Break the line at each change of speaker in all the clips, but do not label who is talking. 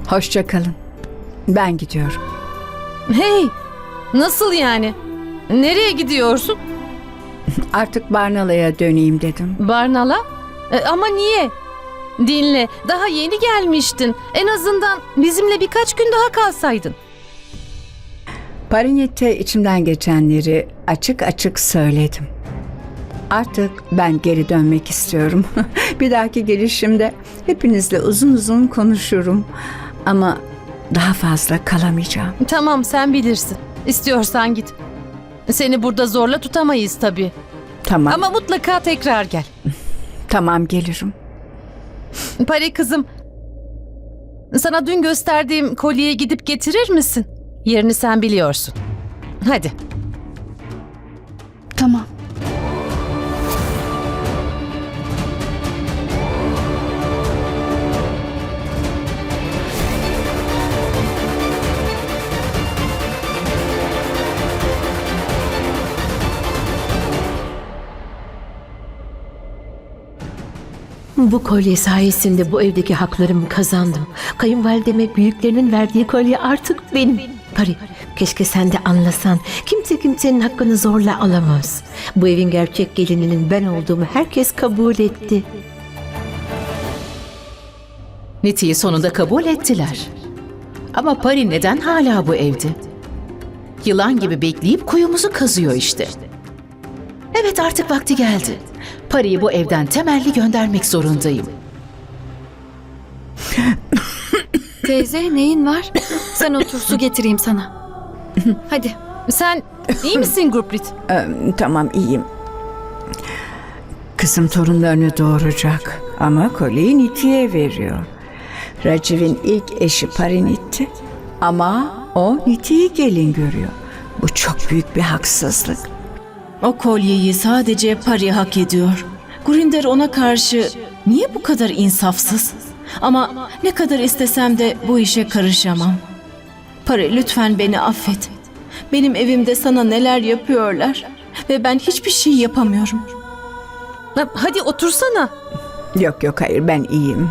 Hoşça kalın. Ben gidiyorum.
Hey, nasıl yani? Nereye gidiyorsun?
Artık Barnala'ya döneyim dedim.
Barnala? Ama niye? Dinle, daha yeni gelmiştin. En azından bizimle birkaç gün daha kalsaydın.
Parinit'te içimden geçenleri açık açık söyledim. Artık ben geri dönmek istiyorum. Bir dahaki gelişimde hepinizle uzun uzun konuşurum. Ama daha fazla kalamayacağım.
Tamam, sen bilirsin. İstiyorsan git. Seni burada zorla tutamayız tabii.
Tamam.
Ama mutlaka tekrar gel.
Tamam, gelirim.
Pari kızım, sana dün gösterdiğim kolyeyi gidip getirir misin? Yerini sen biliyorsun. Hadi.
Tamam.
Bu kolye sayesinde bu evdeki haklarımı kazandım. Kayınvalideme büyüklerinin verdiği kolye artık benim. Pari, keşke sen de anlasan. Kimse kimsenin hakkını zorla alamaz. Bu evin gerçek gelininin ben olduğumu herkes kabul etti.
Niti'yi sonunda kabul ettiler. Ama Pari neden hala bu evde? Yılan gibi bekleyip kuyumuzu kazıyor işte. Evet, artık vakti geldi. Pari'yi bu evden temelli göndermek zorundayım.
Teyze, neyin var? Sen otur, su getireyim sana. Hadi.
Sen iyi misin Gurprit?
Tamam, iyiyim. Kızım torunlarını doğuracak ama kolyeyi Niti'ye veriyor. Raciv'in ilk eşi Parinit'ti ama o Niti'yi gelin görüyor. Bu çok büyük bir haksızlık.
O kolyeyi sadece Pari hak ediyor. Gurinder ona karşı niye bu kadar insafsız? Ama ne kadar istesem de bu işe karışamam. Pari, lütfen beni affet. Benim evimde sana neler yapıyorlar ve ben hiçbir şey yapamıyorum.
Hadi otursana.
Yok yok, hayır, ben iyiyim.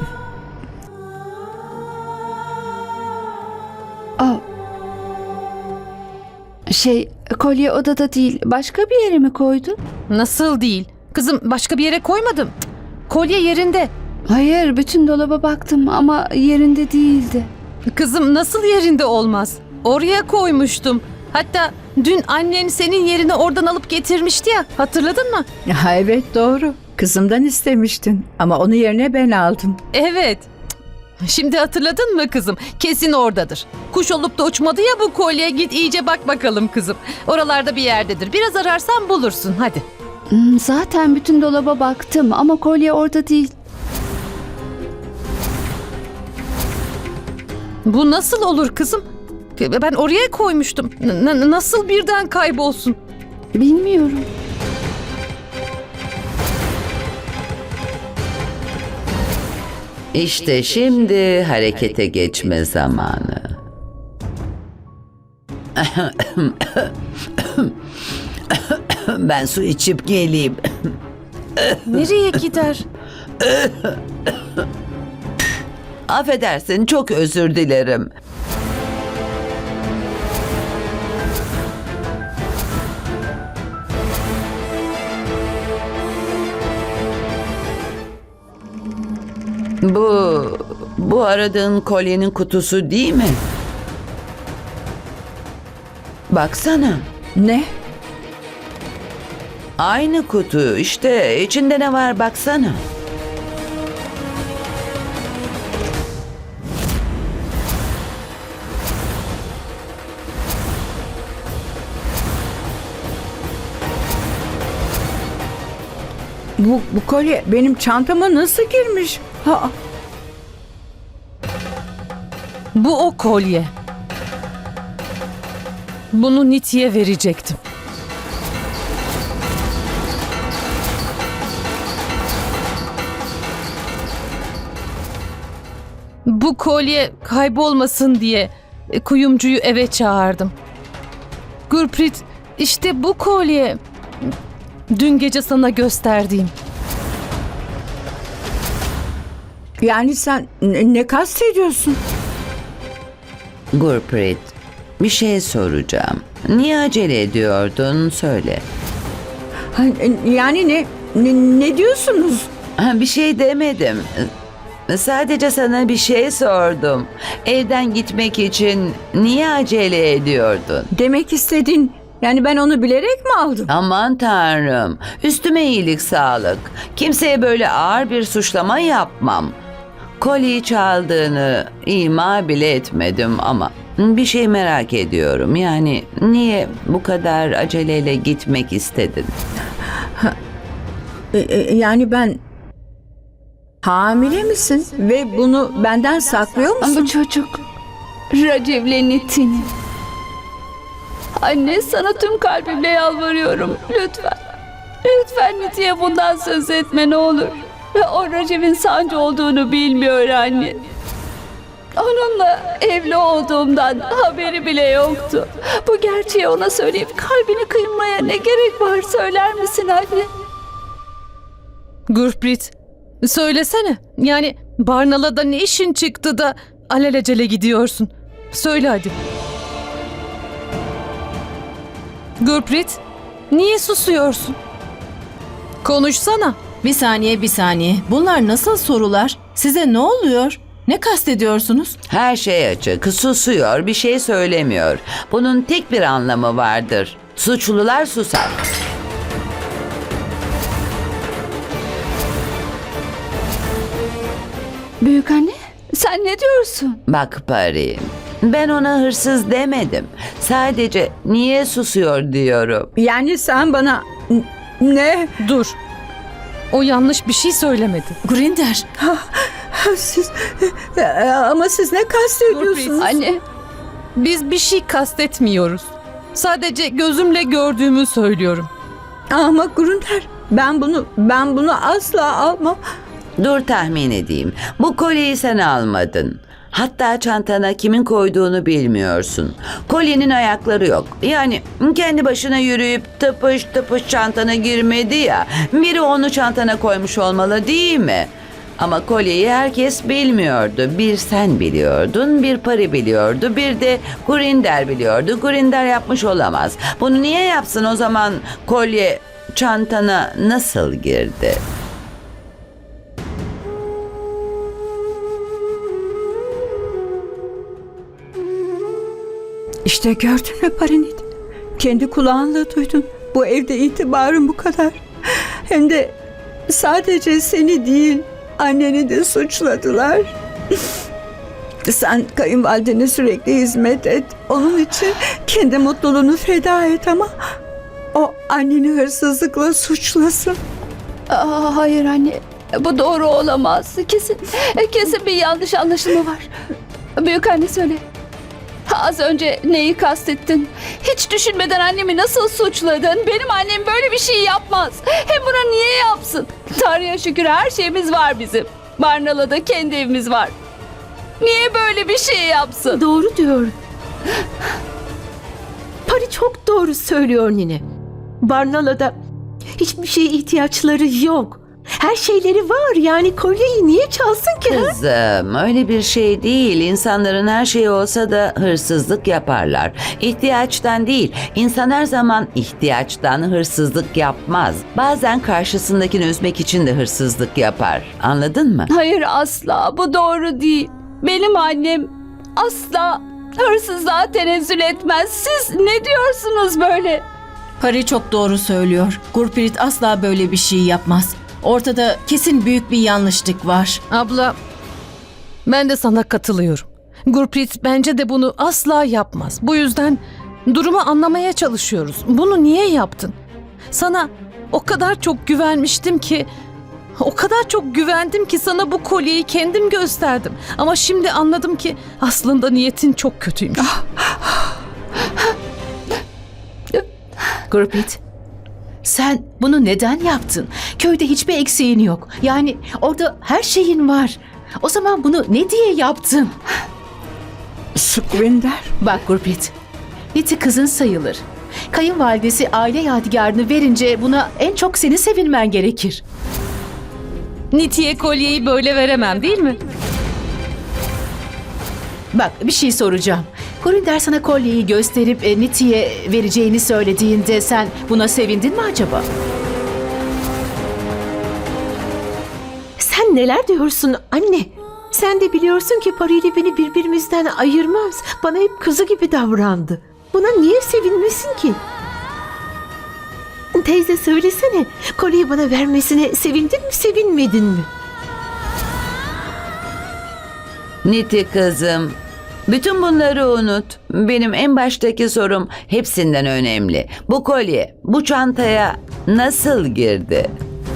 Kolye odada değil, başka bir yere mi koydun?
Nasıl değil? Kızım, başka bir yere koymadım. Kolye yerinde.
Hayır, bütün dolaba baktım ama yerinde değildi.
Kızım, nasıl yerinde olmaz? Oraya koymuştum. Hatta dün annen senin yerine oradan alıp getirmişti ya. Hatırladın mı?
Ha, evet, doğru. Kızımdan istemiştin ama onu yerine ben aldım.
Evet. Şimdi hatırladın mı kızım? Kesin oradadır. Kuş olup da uçmadı ya bu kolye. Git iyice bak bakalım kızım. Oralarda bir yerdedir. Biraz ararsan bulursun. Hadi.
Zaten bütün dolaba baktım ama kolye orada değil.
Bu nasıl olur kızım? Ben oraya koymuştum. Nasıl birden kaybolsun?
Bilmiyorum.
İşte şimdi harekete geçme zamanı. Ben su içip geleyim.
Nereye gider?
Affedersin, çok özür dilerim. Bu aradığın kolyenin kutusu değil mi? Baksana.
Ne?
Aynı kutu. İşte içinde ne var baksana.
Bu kolye benim çantama nasıl girmiş? Ha,
Bu o kolye. Bunu Niti'ye verecektim. Bu kolye kaybolmasın diye kuyumcuyu eve çağırdım. Gurprit, işte bu kolye. Dün gece sana gösterdiğim.
yani sen ne kastediyorsun?
Gurpreet, bir şey soracağım. Niye acele ediyordun? Söyle.
Yani ne diyorsunuz?
Bir şey demedim. Sadece sana bir şey sordum. Evden gitmek için niye acele ediyordun?
Demek istediğin, yani ben onu bilerek mi aldım?
Aman tanrım, üstüme iyilik sağlık. Kimseye böyle ağır bir suçlama yapmam. Kolyeyi çaldığını ima bile etmedim ama bir şey merak ediyorum. Yani niye bu kadar aceleyle gitmek istedin?
Yani ben... Hamile misin? Ve bunu benden saklıyor musun?
Bu çocuk Raciv'le Nitin. Anne, sana tüm kalbimle yalvarıyorum. Lütfen. Lütfen Niti'ye bundan söz etme ne olur. O Raciv'in sancı olduğunu bilmiyor anne. Onunla evli olduğumdan haberi bile yoktu. Bu gerçeği ona söyleyip kalbini kırmaya ne gerek var, söyler misin anne?
Gurpreet, söylesene. Yani Barnala'da ne işin çıktı da alelacele gidiyorsun? Söyle hadi. Gurpreet, niye susuyorsun? Konuşsana.
Bir saniye. Bunlar nasıl sorular? Size ne oluyor? Ne kastediyorsunuz?
Her şey açık, susuyor, bir şey söylemiyor. Bunun tek bir anlamı vardır. Suçlular susar.
Büyükanne, sen ne diyorsun?
Bak Pari, ben ona hırsız demedim. Sadece niye susuyor diyorum.
Yani sen bana... Ne?
Dur. O yanlış bir şey söylemedi.
Grinder,
Siz... Ama siz ne kastediyorsunuz?
Anne,
Biz bir şey kastetmiyoruz. Sadece gözümle gördüğümü söylüyorum.
Ama Grunder, ben bunu asla almam.
Dur tahmin edeyim. Bu kolyeyi sen almadın. Hatta çantana kimin koyduğunu bilmiyorsun. Kolyenin ayakları yok. Yani kendi başına yürüyüp tıpış tıpış çantana girmedi ya. Biri onu çantana koymuş olmalı değil mi? Ama kolyeyi herkes bilmiyordu. Bir sen biliyordun, bir Pari biliyordu, bir de Gurinder biliyordu. Gurinder yapmış olamaz. Bunu niye yapsın o zaman? Kolye çantana nasıl girdi?
İşte gördün mü Parinit? Kendi kulağınla duydun. Bu evde itibarın bu kadar. Hem de sadece seni değil, anneni de suçladılar. Sen kayınvalidene sürekli hizmet et. Onun için kendi mutluluğunu feda et ama o anneni hırsızlıkla suçlasın.
hayır anne. Bu doğru olamaz. Kesin bir yanlış anlaşılma var. Büyükanne söyle. Az önce neyi kastettin? Hiç düşünmeden annemi nasıl suçladın? Benim annem böyle bir şey yapmaz. Hem buna niye yapsın? Tanrı'ya şükür her şeyimiz var bizim. Barnala'da kendi evimiz var. Niye böyle bir şey yapsın?
Doğru diyor. Pari çok doğru söylüyor Nine. Barnala'da hiçbir şeye ihtiyaçları yok. Her şeyleri var, yani kolyeyi niye çalsın ki? ha?
Kızım öyle bir şey değil. İnsanların her şeyi olsa da hırsızlık yaparlar. İhtiyaçtan değil. İnsan her zaman ihtiyaçtan hırsızlık yapmaz. Bazen karşısındakini üzmek için de hırsızlık yapar. Anladın mı?
Hayır, asla. Bu doğru değil. Benim annem asla hırsızlığa tenezzül etmez. Siz ne diyorsunuz böyle?
Pari çok doğru söylüyor. Gurpreet asla böyle bir şey yapmaz. Ortada kesin büyük bir yanlışlık var.
Abla, ben de sana katılıyorum. Gurpreet bence de bunu asla yapmaz. Bu yüzden durumu anlamaya çalışıyoruz. Bunu niye yaptın? Sana o kadar çok güvenmiştim ki... O kadar çok güvendim ki sana bu kolyeyi kendim gösterdim. Ama şimdi anladım ki aslında niyetin çok kötüymüş.
Gurpreet, sen bunu neden yaptın? Köyde hiçbir eksiğin yok. Yani orada her şeyin var. O zaman bunu ne diye yaptın?
Sukvinder.
Bak Gurpreet, Niti kızın sayılır. Kayınvalidesi aile yadigarını verince buna en çok senin sevinmen gerekir.
Niti'ye kolyeyi böyle veremem, değil mi?
Bak bir şey soracağım. Gurinder sana kolyeyi gösterip Niti'ye vereceğini söylediğinde sen buna sevindin mi acaba?
Sen neler diyorsun anne? Sen de biliyorsun ki Pari ile beni birbirimizden ayırmaz. Bana hep kızı gibi davrandı. Buna niye sevinmesin ki? Teyze söylesene. Kolyeyi bana vermesine sevindin mi, sevinmedin mi?
Niti kızım, bütün bunları unut. Benim en baştaki sorum hepsinden önemli. Bu kolye bu çantaya nasıl girdi?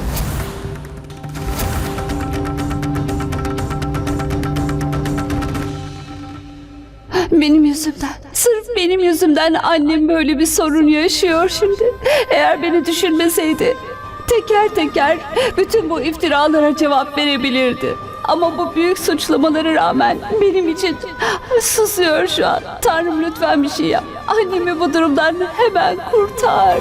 Benim yüzümden. Sırf benim yüzümden annem böyle bir sorun yaşıyor şimdi. Eğer beni düşünmeseydi teker teker bütün bu iftiralara cevap verebilirdi. Ama bu büyük suçlamalara rağmen benim için susuyor şu an. Tanrım lütfen bir şey yap. Annemi bu durumdan hemen kurtar.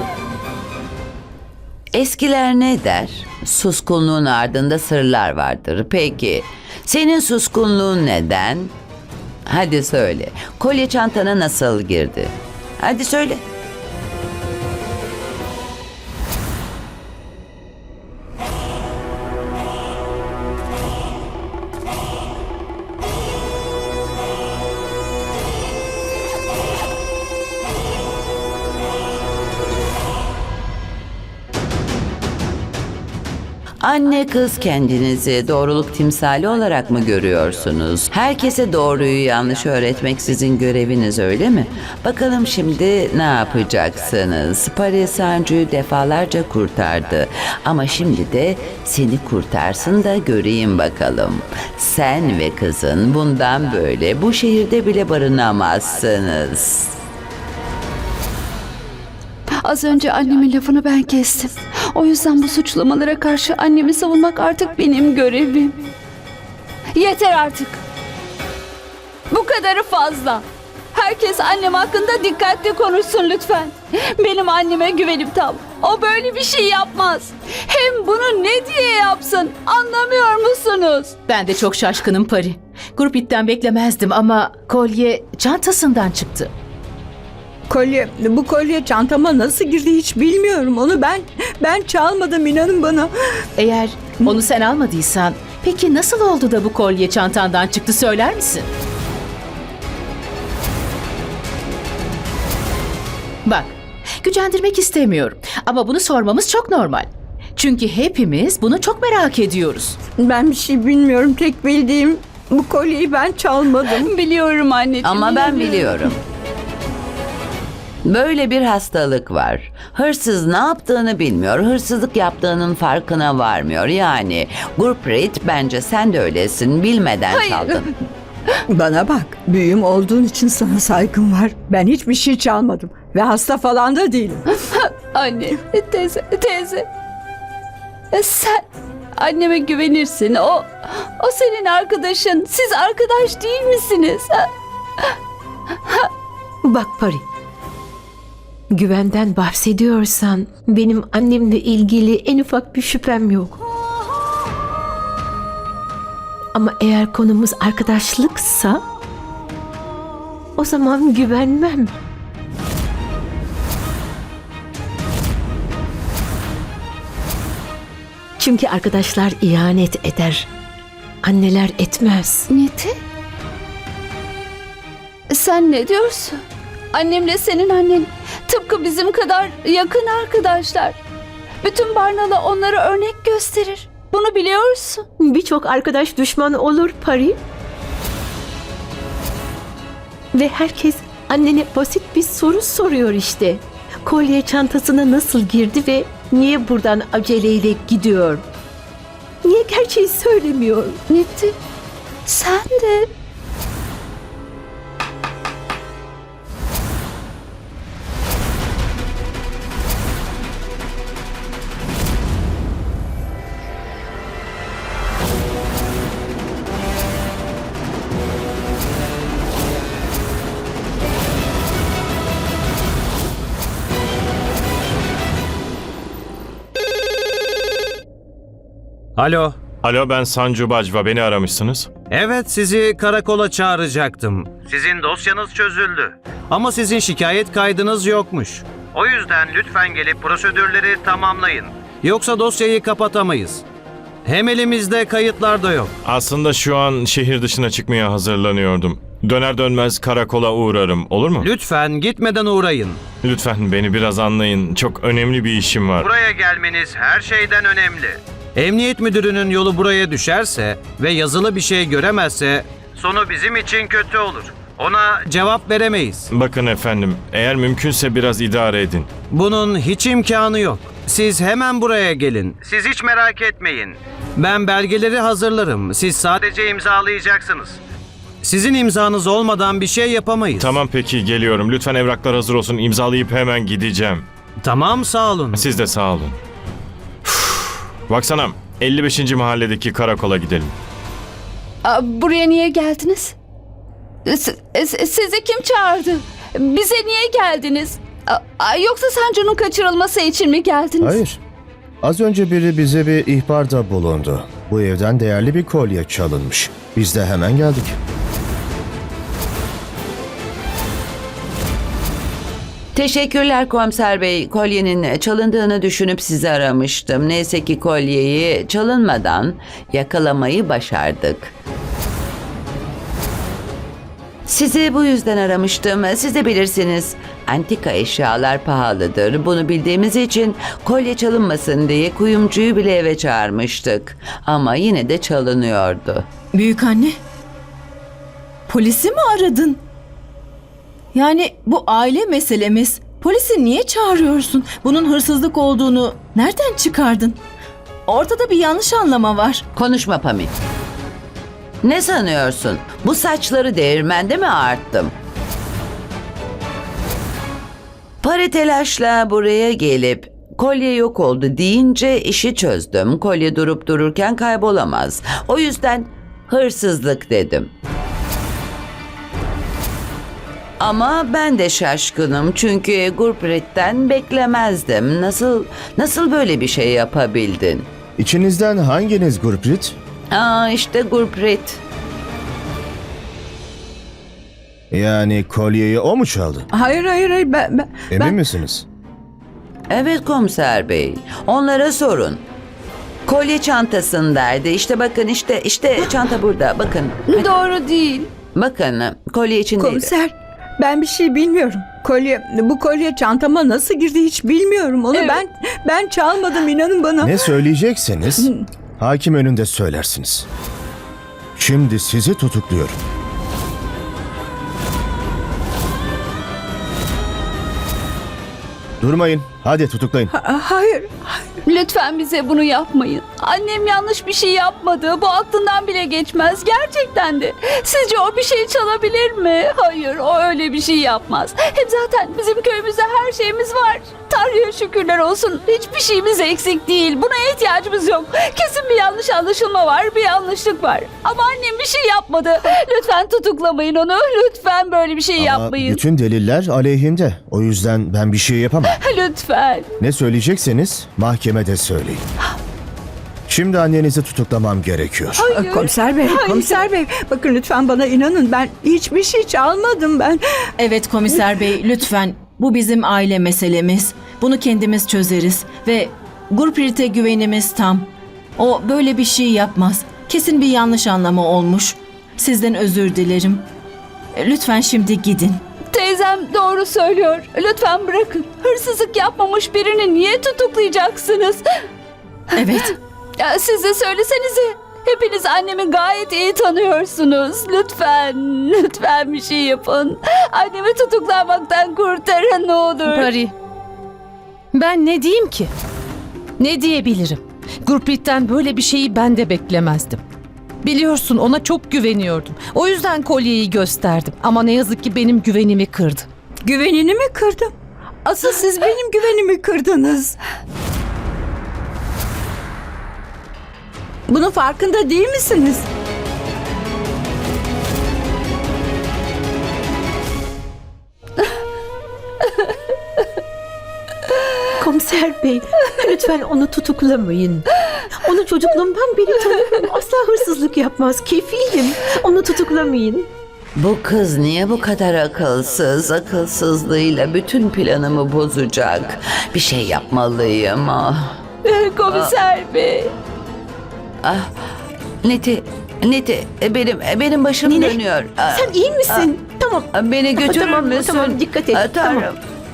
Eskiler ne der? Suskunluğun ardında sırlar vardır. Peki, senin suskunluğun neden? Hadi söyle. Kolye çantana nasıl girdi? Hadi söyle. Anne kız kendinizi doğruluk timsali olarak mı görüyorsunuz? Herkese doğruyu yanlış öğretmek sizin göreviniz, öyle mi? Bakalım şimdi ne yapacaksınız? Pari Sancu'yu defalarca kurtardı. Ama şimdi de seni kurtarsın da göreyim bakalım. Sen ve kızın bundan böyle bu şehirde bile barınamazsınız.
Az önce annemin lafını ben kestim. O yüzden bu suçlamalara karşı annemi savunmak artık benim görevim. Yeter artık. Bu kadarı fazla. Herkes annem hakkında dikkatli konuşsun lütfen. Benim anneme güvenim tam. O böyle bir şey yapmaz. Hem bunu ne diye yapsın? Anlamıyor musunuz?
Ben de çok şaşkınım Pari. Gurprit'ten beklemezdim ama kolye çantasından çıktı.
Bu kolye çantama nasıl girdi hiç bilmiyorum. Onu ben çalmadım, inanın bana.
Eğer onu sen almadıysan peki nasıl oldu da bu kolye çantandan çıktı, söyler misin? Bak, gücendirmek istemiyorum ama bunu sormamız çok normal. Çünkü hepimiz bunu çok merak ediyoruz.
Ben bir şey bilmiyorum. Tek bildiğim bu kolyeyi ben çalmadım.
Biliyorum anneciğim.
Ama ben biliyorum. Böyle bir hastalık var. Hırsız ne yaptığını bilmiyor, hırsızlık yaptığının farkına varmıyor. Yani Gurprit, bence sen de öylesin, bilmeden
Hayır.
çaldın.
Bana bak, büyüğüm olduğun için sana saygım var. Ben hiçbir şey çalmadım ve hasta falan da değilim.
Anne, teyze. Sen anneme güvenirsin. O senin arkadaşın. Siz arkadaş değil misiniz?
Bak Pari. Güvenden bahsediyorsan benim annemle ilgili en ufak bir şüphem yok. Ama eğer konumuz arkadaşlıksa o zaman güvenmem. Çünkü arkadaşlar ihanet eder. Anneler etmez.
Neti? Sen ne diyorsun? Annemle senin annen tıpkı bizim kadar yakın arkadaşlar. Bütün Barnalı onlara örnek gösterir. Bunu biliyorsun.
Birçok arkadaş düşman olur Pari. Ve herkes annene basit bir soru soruyor işte. Kolye çantasına nasıl girdi ve niye buradan aceleyle gidiyor? Niye gerçeği söylemiyor?
Neti, sen de...
Alo. Alo, ben Sancu Bajva. Beni aramışsınız. Evet, sizi karakola çağıracaktım. Sizin dosyanız çözüldü. Ama sizin şikayet kaydınız yokmuş. O yüzden lütfen gelip prosedürleri tamamlayın. Yoksa dosyayı kapatamayız. Hem elimizde kayıtlar da yok.
Aslında şu an şehir dışına çıkmaya hazırlanıyordum. Döner dönmez karakola uğrarım, olur mu?
Lütfen gitmeden uğrayın.
Lütfen beni biraz anlayın. Çok önemli bir işim var.
Buraya gelmeniz her şeyden önemli. Emniyet müdürünün yolu buraya düşerse ve yazılı bir şey göremezse sonu bizim için kötü olur. Ona cevap veremeyiz.
Bakın efendim, eğer mümkünse biraz idare edin.
Bunun hiç imkanı yok. Siz hemen buraya gelin. Siz hiç merak etmeyin. Ben belgeleri hazırlarım. Siz sadece imzalayacaksınız. Sizin imzanız olmadan bir şey yapamayız.
Tamam peki, geliyorum. Lütfen evraklar hazır olsun. İmzalayıp hemen gideceğim.
Tamam, sağ olun.
Siz de sağ olun. Baksana, 55. mahalledeki karakola gidelim.
Buraya niye geldiniz? Sizi kim çağırdı? Bize niye geldiniz? Yoksa Sancu'nun kaçırılması için mi geldiniz?
Hayır. Az önce biri bize bir ihbarda bulundu. Bu evden değerli bir kolye çalınmış. Biz de hemen geldik.
Teşekkürler komiser bey. Kolyenin çalındığını düşünüp sizi aramıştım. Neyse ki kolyeyi çalınmadan yakalamayı başardık. Sizi bu yüzden aramıştım. Siz de bilirsiniz. Antika eşyalar pahalıdır. Bunu bildiğimiz için kolye çalınmasın diye kuyumcuyu bile eve çağırmıştık. Ama yine de çalınıyordu.
Büyükanne, polisi mi aradın? Yani bu aile meselemiz. Polisi niye çağırıyorsun? Bunun hırsızlık olduğunu nereden çıkardın? Ortada bir yanlış anlama var.
Konuşma Pami. Ne sanıyorsun? Bu saçları değirmende mi ağarttım? Para telaşla buraya gelip kolye yok oldu deyince işi çözdüm. Kolye durup dururken kaybolamaz. O yüzden hırsızlık dedim. Ama ben de şaşkınım çünkü Gurpreet'ten beklemezdim. Nasıl böyle bir şey yapabildin?
İçinizden hanginiz Gurpreet?
İşte Gurpreet.
Yani kolyeyi o mu çaldı?
Hayır, ben...
Emin misiniz?
Evet komiser bey. Onlara sorun. Kolye çantasındaydı. İşte bakın işte çanta burada. Bakın.
Doğru değil.
Bakın kolye içindeydi.
Komiser, ben bir şey bilmiyorum. Bu kolye çantama nasıl girdi hiç bilmiyorum. Onu
Evet.
ben çalmadım, inanın bana.
Ne söyleyecekseniz hakim önünde söylersiniz. Şimdi sizi tutukluyorum. Durmayın. Hadi tutuklayın.
Hayır.
Lütfen bize bunu yapmayın. Annem yanlış bir şey yapmadı. Bu aklından bile geçmez. Gerçekten de. Sizce o bir şey çalabilir mi? Hayır, o öyle bir şey yapmaz. Hem zaten bizim köyümüzde her şeyimiz var. Tanrı'ya şükürler olsun. Hiçbir şeyimiz eksik değil. Buna ihtiyacımız yok. Kesin bir yanlış anlaşılma var. Bir yanlışlık var. Ama annem bir şey yapmadı. Lütfen tutuklamayın onu. Lütfen böyle bir şey
Ama
yapmayın.
bütün deliller aleyhimde. O yüzden ben bir şey yapamam.
Lütfen.
Ne söyleyecekseniz mahkemede söyleyin. Şimdi annenizi tutuklamam gerekiyor.
Komiser bey, bakın lütfen bana inanın. Ben hiçbir şey çalmadım ben.
Evet komiser bey, lütfen. Bu bizim aile meselemiz. Bunu kendimiz çözeriz. Ve Gurpreet'e güvenimiz tam. O böyle bir şey yapmaz. Kesin bir yanlış anlama olmuş. Sizden özür dilerim. Lütfen şimdi gidin.
Teyzem doğru söylüyor. Lütfen bırakın. Hırsızlık yapmamış birini niye tutuklayacaksınız?
Evet.
Ya siz de söylesenize. Hepiniz annemi gayet iyi tanıyorsunuz. Lütfen bir şey yapın. Annemi tutuklanmaktan kurtarın ne olur.
Pari, ben ne diyeyim ki? Ne diyebilirim? Gurpreet'ten böyle bir şeyi ben de beklemezdim. Biliyorsun, ona çok güveniyordum. O yüzden kolyeyi gösterdim. Ama ne yazık ki benim güvenimi kırdı.
Güvenini mi kırdım? Asıl siz benim güvenimi kırdınız. Bunun farkında değil misiniz?
Komiser bey, lütfen onu tutuklamayın. Onu çocukluğumdan beri tanıyorum. Asla asla hırsızlık yapmaz. Kefilim. Onu tutuklamayın.
Bu kız niye bu kadar akılsız? Akılsızlığıyla bütün planımı bozacak. Bir şey yapmalıyım.
Komiser bey.
Niti, benim başım
Nine,
dönüyor.
Sen iyi misin? Tamam.
Beni götürür
Tamam,
müsün?
tamam, dikkat et.
Tanrım.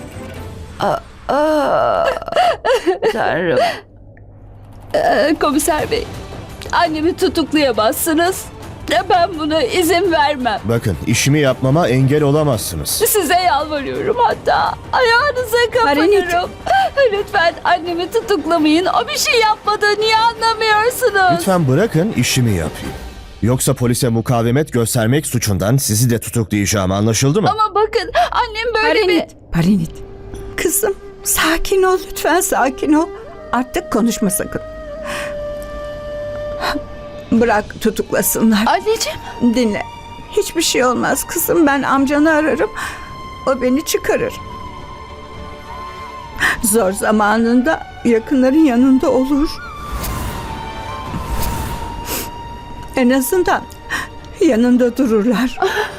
Tanrım.
Komiser bey. Annemi tutuklayamazsınız. Ben buna izin vermem.
Bakın, işimi yapmama engel olamazsınız.
Size yalvarıyorum hatta. Ayağınıza kapanırım. Lütfen annemi tutuklamayın. O bir şey yapmadı. Niye anlamıyorsunuz?
Lütfen bırakın işimi yapayım. Yoksa polise mukavemet göstermek suçundan sizi de tutuklayacağım, anlaşıldı mı?
Ama bakın annem böyle bir...
Parinit. Kızım sakin ol lütfen, sakin ol. Artık konuşma sakın. Bırak tutuklasınlar.
Anneciğim.
Dinle. Hiçbir şey olmaz kızım. Ben amcanı ararım. O beni çıkarır. Zor zamanında yakınların yanında olur. En azından yanında dururlar.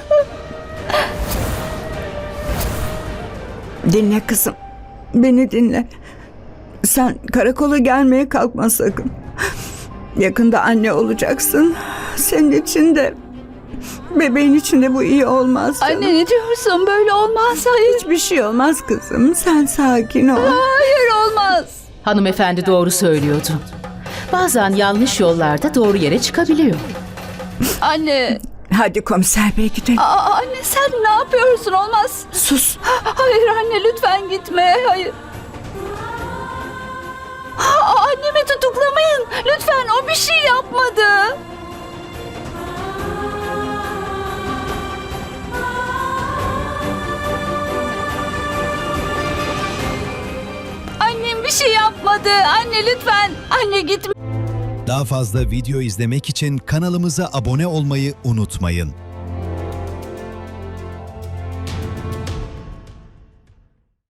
Dinle kızım. Beni dinle. Sen karakola gelmeye kalkma sakın. Yakında anne olacaksın. Senin için de bebeğin için de bu iyi olmaz canım.
Anne ne diyorsun? Böyle olmaz. Hayır.
Hiçbir şey olmaz kızım. Sen sakin ol.
Hayır olmaz.
Hanımefendi doğru söylüyordu. Bazen yanlış yollarda doğru yere çıkabiliyor.
Anne.
Hadi komiser bey gidelim.
Anne sen ne yapıyorsun? Olmaz.
Sus.
Hayır anne lütfen gitme. Hayır. Annemi tutuklamayın. Lütfen o bir şey yapmadı. Annem bir şey yapmadı. Anne lütfen. Anne gitme.
Daha fazla video izlemek için kanalımıza abone olmayı unutmayın.